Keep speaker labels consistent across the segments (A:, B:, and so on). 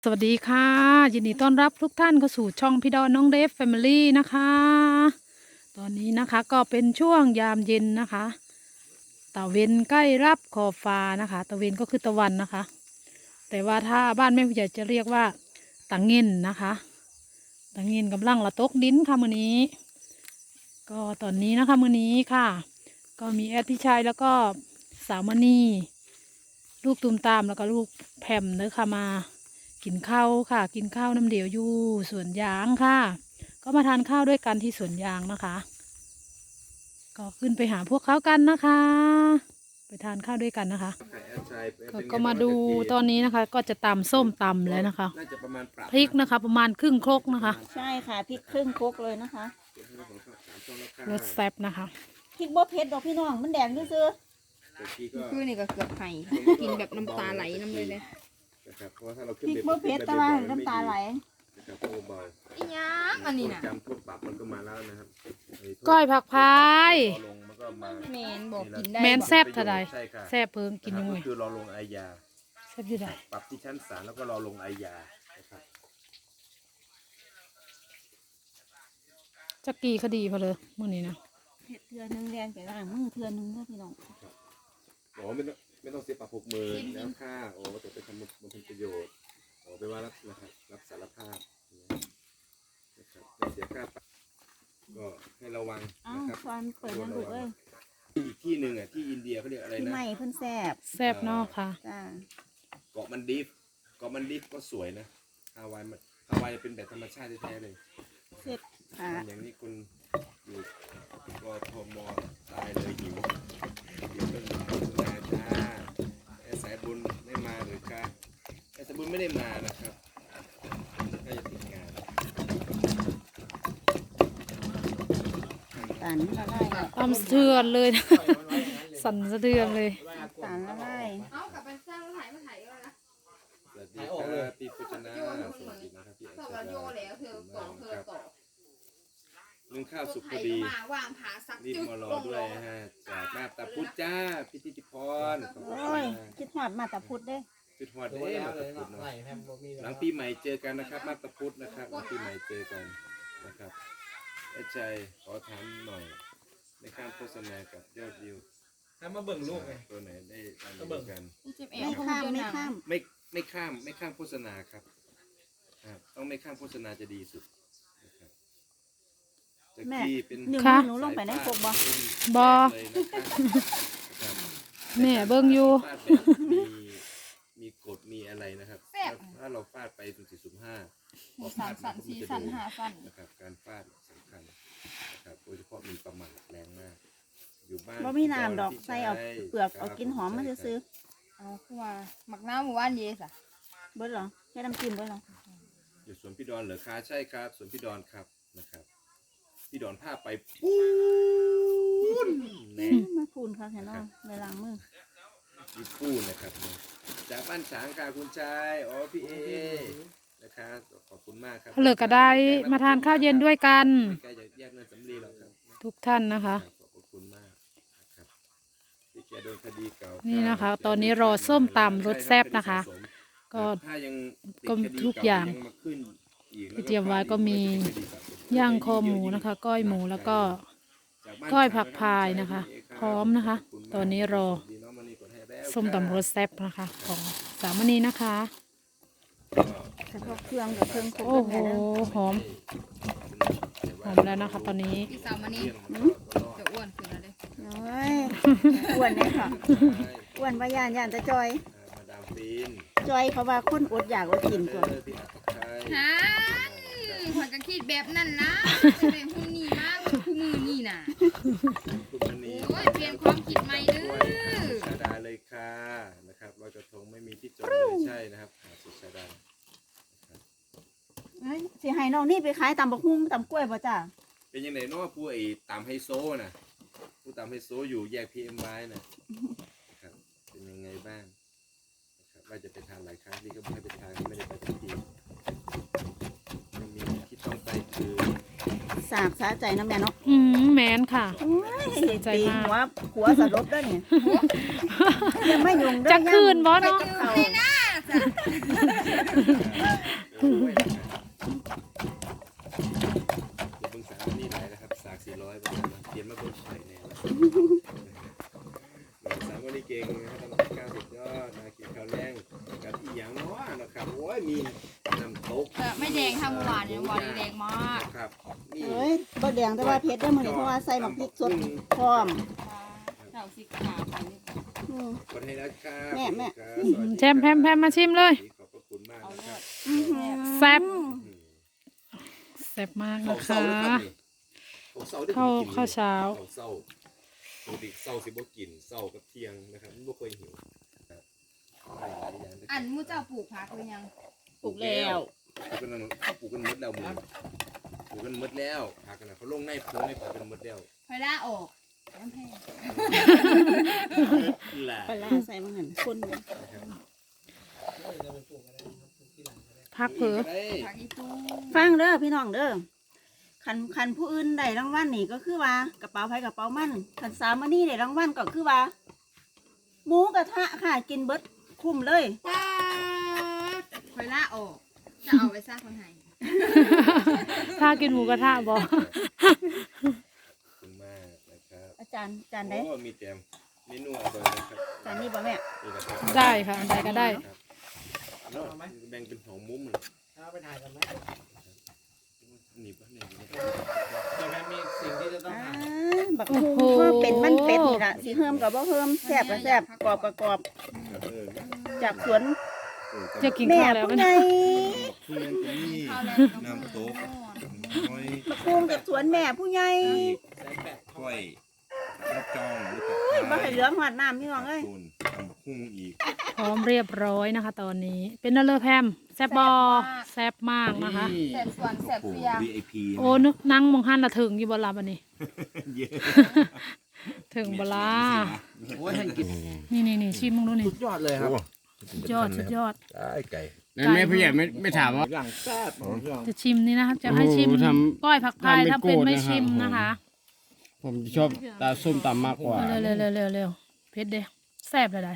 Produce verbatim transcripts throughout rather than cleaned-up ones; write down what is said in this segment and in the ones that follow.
A: สวัสดีค่ะยินดีต้อนรับทุกท่านเข้าสู่ช่องพี่ดอนน้องเดฟแฟมิลี่นะคะตอนนี้นะคะก็เป็นช่วงยามเย็นนะคะตะเวนใกล้รับขอบฟ้านะคะตะเวนก็คือตะวันนะคะ แต่ว่าถ้าบ้านแม่ผู้ใหญ่จะเรียกว่าตะเงินนะคะตะเงินกำลังละตกดินค่ะมื้อนี้ ก็ตอนนี้นะคะมื้อนี้ค่ะ ก็มีแอดพี่ชายแล้วก็สาวมณีลูกตูมตามแล้วก็ลูกแผ่มเนื้อค่ะมากินข้าวค่ะ กินข้าวน้ำเดียวอยู่สวนยางค่ะ ก็มาทานข้าวด้วยกันที่สวนยางนะคะ ก็ขึ้นไปหาพวกเขากันนะคะ ไปทานข้าวด้วยกันนะคะ ก็ก็มาดูตอนนี้นะคะ ก็จะตำส้มตำแล้วนะคะพริกนะคะ ประมาณครึ่งครกนะคะ
B: ใช่ค่ะพริกครึ่งครกเลยนะคะ
A: รสแซ่บนะคะ
B: พริกบ่เผ็ดดอกพี่น้องมันแดงซื่อ
C: คือนี่ก็เกือบไห้กินแบบน้ำตาไหลน้ำเลยเลย
B: ๆพริกบ่เผ็ดแต่ว่าน้ำตาไหล
C: อีหยังอันนี้น่ะ
D: จำพวกปรับมันก็มาแล้วนะครับ
A: ก้อยผักพาย
D: รอลงมันก็มา
C: แมนบอกกินได้
A: แมน
C: บอก
A: แซ่บเท่าใด
D: ใช่ค่ะ
A: แซ่บเพิ่งกินยังไง
D: ก็คือรอลงอาญา
A: แซ่บที่ใด
D: ปรับที่ชั้นศาลแล้วก็รอลงอาญานะครับ
A: จักกี่คดีพอเลยมื่อนี้นะ
B: เผ็ดเทือนึงแดงไปล้างมือเทือนึงเด้อพี่น้อง
D: บอกว่าไม่ต้องไม่ต้องเสียปรับหกหมื่นแล้วค่าโอ้แต่ไปทำมันเป็นประโยชน์โอ้ไปว่ารับนะครับรับสารภาพนะครับไม่เสียค่าปรับก็ให้ระวัง
B: อ้า
D: นะ
B: ว
D: ครับ
B: ฟอนเปิดน้ำดูกเอ้ย
D: อีกที่หนึ่งอ่ะที่อินเดียเขาเรียกอะไร
B: พี่
D: นะ
B: ใหม่เพิ่นแซ่บ
A: แซ่บเนอกค่ะ
B: จ้า
D: เกาะมันดิฟเกาะมันดิฟก็สวยนะฮาวายมันฮาวายเป็นแบบธรรมชาติแท้ๆเลย
B: เสร็จค่ะ
D: อย่างนี้คุณอยู่กทมตายเลยหิวหิวเป็นนาจ้าไอ้สายบุญไม่มาหรือคะไอ้สายบุญไม่ได้มานะครับน่าจะติดงาน
B: ตาลละลายแล้ว
A: ตำสะเทือนเลยนะ สั่นสะเทือนเลย
B: ตาลละลาย
C: เอากลับไปสร้างแล้วถ่ายมาถ่ายก็นะ
D: สวัสดีครับพี่พุชนาสวัสดีนะครับพี่อัญ
C: สอบ
D: ช
C: เรา
D: ลา
C: โยแล้วเธอต่อเธอต่อ
D: นึ่งข้าวสุกพ
C: ถ่า
D: อย ดี
C: มาวางผาสัก
D: รีบ
C: จุด
D: มารอ
C: ลง
D: ด้
C: ล
D: วย
C: ง
D: ฮะจากมาตาพุทธจ้าพิธิติพรขอบคุณ
B: โอ้ย
D: มาก
B: คิดฮอดมาตาพุดเด้
D: จุดหอดเด้มาตาพุทธเนาะหลังปีใหม่เจอกันนะครับมาตาพุทธนะครับหลังปีใหม่เจอกันนะครับไอ้ใจขอถามหน่อยในการโฆษณากับยอดวิว
E: ถ้ามาเบิ่งลูกไง
D: ตัวไหนได้ตามดูกัน
C: เจ็บเอ
B: ไม่
C: ว
B: ข้ามไม่ข้าม
D: ไม่ไม่ข้ามไม่ข้ามโฆษณาครับครับต้องไม่ข้ามโฆษณาจะดีสุดนะครับจาก
B: แม่
D: ที่เป็น
B: นิ้ว
A: ค่ะ
B: หนูลงไปในโคกบ่
A: บ่
D: เลยนะครับ
A: แม่เบิ่งอยู่
D: ฟาดแบบมีมีกฎมีอะไรนะครับถ้าเราฟาดไปสุ่มสี่สุ่มห้าพอ
C: สั
D: ฟาน ด
C: สัน
D: มัน
C: สี
D: ก็
C: สั
D: จะ
C: น
D: โดน
C: หาสัน
D: นะครับการฟาดสำคัญนะครับโดยเฉพาะมีประมาทแรงมากอยู่บ้าน
B: บ่มีน้ำดอกใส่เอาเปลือกเอากินหอมมาซื้อ
C: เอาคือว่าหมักน้ำหมู่บ้านเยสอะ
B: ๆเบิดเหรอแค่น้ำจิ้มเบิดเหรอ
D: อยู่สวนพี่ดอนเหรอคะใช่ครับสวนพี่ดอนครับนะครับพี่ดอนพาไปปูนแน่
B: มาพูนค่ะแค่น้องในล้างมือ
D: มีปูนนะครับจากบ้านฉางค่ะคุณชายอ๋อพี่เอนะครับขอบคุณมากครับ
A: เหลือก็ได้มาทานข้าวเย็นด้วยกัน
D: ใกล้จะแยกเงินสำลีแล้วครับ
A: ทุกท่านนะคะ
D: ขอบคุณมากนะครับที่แกโดนคดีเก่า
A: นี่
D: นี่
A: นะคะตอนนี้รอส้มตำรสแซ่บนะคะก็
D: ถ้ายังติด
A: ก็
D: คดี
A: ทุกอย่าง
D: ยังมาขึ้นอีกแล้ว
A: ที่เตรียมไว้ก็มี
D: ติดคดีเก่
A: ย่างคอหมูนะคะ ก้อยหมูแล้วก็
D: จากบ้าน
A: ก้อยผักพาย
D: ฉาง
A: นะคะ
D: พี่เ
A: พร้อมนะคะ
D: ขบณมาก
A: ตอนนี้รอ
D: สวัสดีน้องมณีกดให้แล้ว
A: ส้มตำรสแซ่บนะคะ ของสามณีนะคะ
B: เฉพาะเครื่องกับเครื่องครก
A: โอ้โห
B: แค่นั้น
A: หอมหอมแล้วนะคะ ตอนนี้
C: พี่สาวมานี่จะอ้วนขึ้นแล้วเลย
B: โอ้ยอ้วนเลยค่ะอ้วนว่าย่านย่านแต่จอย
D: มาดามฟิน
B: จอยเขาว่าคนอดอยากอดกินตัว
D: เออพี่อัตชัย
C: ฮะขวัญก็คิดแบบนั้นนะเป็นหุ่นนี่มากคู่มือนี่น่ะ
D: คุณมณี
C: โอ้ยเปลี่ยนความคิดใหม่เด้อ
D: ชาดาเลยค่ะนะครับลอยกระทงไม่มีที่จอดเลยใช่นะครับหาดสุชาดา
B: เอ้ยสิให้น้องนี่ไปขายตำบักหุ่งตำกล้วยป่ะจ้า
D: เป็นยังไงเนาะผู้ไอ้ตามไฮโซน่ะผู้ตามไฮโซอยู่แยกพีเอ็มไว้น่ะนะครับเป็นยังไงบ้างนะครับว่าจะไปทานหลายครั้งที่ก็ไม่ให้ไปทานก็ไม่ได้ไปทุกทียังมีที่ต้องไปคือ
B: สากสาใจน้ำแม่เนาะ
A: อืมแมนค่ะ
B: โอ้ย
A: ใจ
B: ตี
A: มาก
B: หัวหัวสลบด้วยเนี่ยยังไม่ยุงเด้อ
A: จะคืนบอส
B: ย่ำ
A: เนาะ
B: กับเขา
C: จ้ะ
D: โอ้ยเบิ่งสามนี่หลายนะครับสากสี่ร้อยบาทเปลี่ยนมาเบิ่งไข่แน่สามวันนี้เก่งนะครับทำข้าวสุดยอดมากินข้าวแรงกับอีหยังน้อยนะครับโอ้ยมีน้ำตก
C: เออไม่แดงทำเมื่อวานเนี่ยเมื่อวานนี้แดงมาก
D: ครับนี่
B: เอ้ยบ่แดงแต่ว่าเผ็ดได้อมื้อนี้เพราะว่าใส่หมักพริกสดพร้อม
C: เราสิขาไปนี่
B: อืม
D: ขอบคุณครับ
B: แม่แม่
A: แชมแพมแพมมาชิมเลย
D: ขอบพระคุณมากนะครับ
B: อื้อหือ
A: แซ่บ
D: อืม
A: แซ่บมาก
D: เขา
A: นะ
D: เศร้า
A: คะ
D: ด้วยครับนี่เขาเศร้าด้วย
A: ข้าว
D: ผมกิน
A: ข้าวเช้า
D: เขาเศร้าปกติเศร้าสิบ่กินเศร้ากับเที่ยงนะครับไม่เคยหิวครับได้หลายอย่างเลย
C: อันมูเจ้าปลูกผักหรือยัง
B: ปลูกแล้ว
D: ปลูกกันแล้วปลูกกันหมดแล้วหมึงปลูกกันหมดแล้วผักกันนะเขาลงในพวงในผักกันหมดแล้ว
C: พอล่าออกน้ำแห้ง
D: แหละ
B: ปลาร้าใส่มันหั่นคนเลย
A: พักเผลอ
D: ได้
C: ผักอีตู้
B: ฟังเด้อพี่น้องเด้อคันคันผู้อื่นได้รางวัลนี่ก็คือว่ากระเป๋าไผกระเป๋ามันคันสามมื้อนี้ได้รางวัลก็คือว่าหมูกระทะค่ะกินเบิดคุ้มเลย
C: ป้าดพอล่าออกจะเอาไปซากคนไทย
A: ถ้ากินหมูกระทะบอก
D: ขอบคุณมากนะครับ
B: อาจารย์อาจารย์ได้
D: โอ้มีเต็มเมนูอร่อยนะครับ
B: อาจารย์นี่บ่แม่
D: นี่นะครับ
A: ได้ค่ะอันใดก็ได้
D: ครับเนาะแบ่งเป็นสองมุมเลย
E: เอาไปถ่ายกันไหม
D: นี่ปะนี่
E: ใช่ไหมมีสิ่งที่จะต้อง
B: อ่า
E: หา
B: บักฮูก็เป็นมันเป็ดนี่ล่ะสิเฮิมกับบ่เฮิมแซ่บก็แซ่บกรอบก็กรอบ
D: ครับเออ
B: จากสวน
D: เออ
A: จะกิน
B: แม่
A: ข้าวแล้ว
B: ผู้
A: มัน
B: ใหญ่
D: ทุเรียนตรงนี้
C: ข้าวแรงกับ
D: น้ำตกน้อย
B: บักฮูจากสวนแม่ผู้ใหญ่
D: อีก
E: แสนแปด
D: กล้วยรับจองหรือ
B: โอ้ยบ่ให้เหลือหอดน้ำพี่น้องเอ้ย
D: ตูนทำบักหุ่งอีก
A: พร้อมเรียบร้อยนะคะ ตอนนี้ เป็นนั่นเลยแพมแซ่บบอแซ่บมากนะคะ
C: แสบส่วนแสบเสียง
D: วี ไอ พี
A: โอ้นึกนั่งมองหันละถึงอยู่บนลาบันนี้
D: เยอะ
A: ถึงบลา
E: โอ้ยให้กิน
A: นี่นี่นี่ชิมมึงดูนี่
E: สุดยอดเลยครับ
A: สุดยอดสุดยอด
D: ได้ไก่
F: นั่นแม่ผู้ใหญ่ไม่ไม่ถามว่า
E: อย่างแซ่บของพี่น้อง
A: จะชิมนี่นะคะจะให้ชิม
F: โอ้โหทำ
A: ก้อยผักพาย
F: ทำเป็น
A: ถ้าเป็น
F: โกรธ
A: ไม่
F: นะครับ
A: ชิมนะคะ
F: ผมชอบตาส้มตำมากกว่า
A: เร็วเร็วเร็วเร็วเร็วเพชรเด้แซ่บเลยได้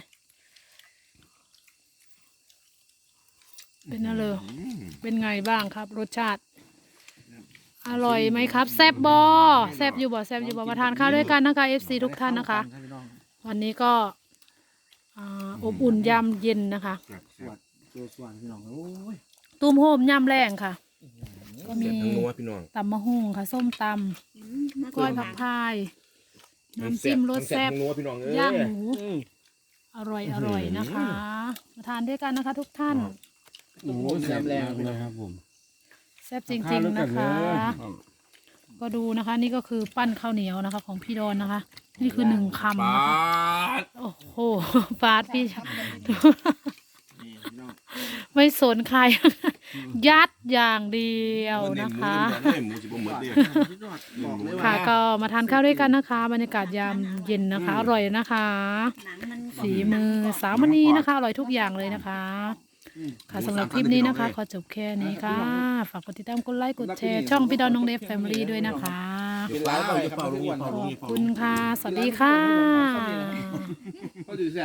A: เป็นอะไรเป็นไงบ้างครับ รสชาติ อร่อยไหมครับ แซ่บบอแซ่บอยู่บ่แซ่บอยู่บ่มาทานข้าวด้วยกันนะคะ เอฟ ซี ทุกท่านนะคะ
E: พี่น้อง
A: วันนี้ก็อ่าอบอุ่นยามเย็นนะคะ
E: สวดตัวสว่างพี่น้องโอ้ย
A: ตุ้มโฮมยามแรงค่ะ ก็มี
D: เสียบทั้งนัวพี่น้อง
A: ตำมะฮุ่งค่ะ ส้มตำก้อยผักพายน้ำจิ้มรสแซ่บ
D: ทั้งนัวพี่น้องเอ้ย
A: ย่างหมูอร่อยอร่อยนะคะ มาทานด้วยกันนะคะ ทุกท่าน
F: โอ้โหแซ่บแรงเลยครับผม
A: แซ่บจริง ๆนะคะ ก็ดูนะคะ นี่ก็คือปั้นข้าวเหนียวนะคะ ของพี่ดอนนะคะ นี่คือหนึ่งคำนะคะโอ้โหฟาดพี่ ไม่สนใคร ยัดอย่างเดียวนะคะ
D: หมูสิบ่หมดเด้อ
E: สุดยอดบอกเลยว่า
A: ค่ะก็มาทานข้าวด้วยกันนะคะ บรรยากาศยามเย็นนะคะ อร่อยนะคะ
B: หนังมัน
A: ฝีมือสาวมณีนะคะ อร่อยทุกอย่างเลยนะคะ ค่ะสำหรับคลิปนี้นะคะ ขอจบแค่นี้ค่ะ ฝากกดติดตามกดไลค์กดแชร์ช่องพี่ดอนน้องเดฟแฟมิลี่ด้วยนะคะ
E: เป็นร้านไปครับทุกวัน
A: ขอบคุณค่ะ สวัสดีค่ะ
E: เขาดูแซ่บ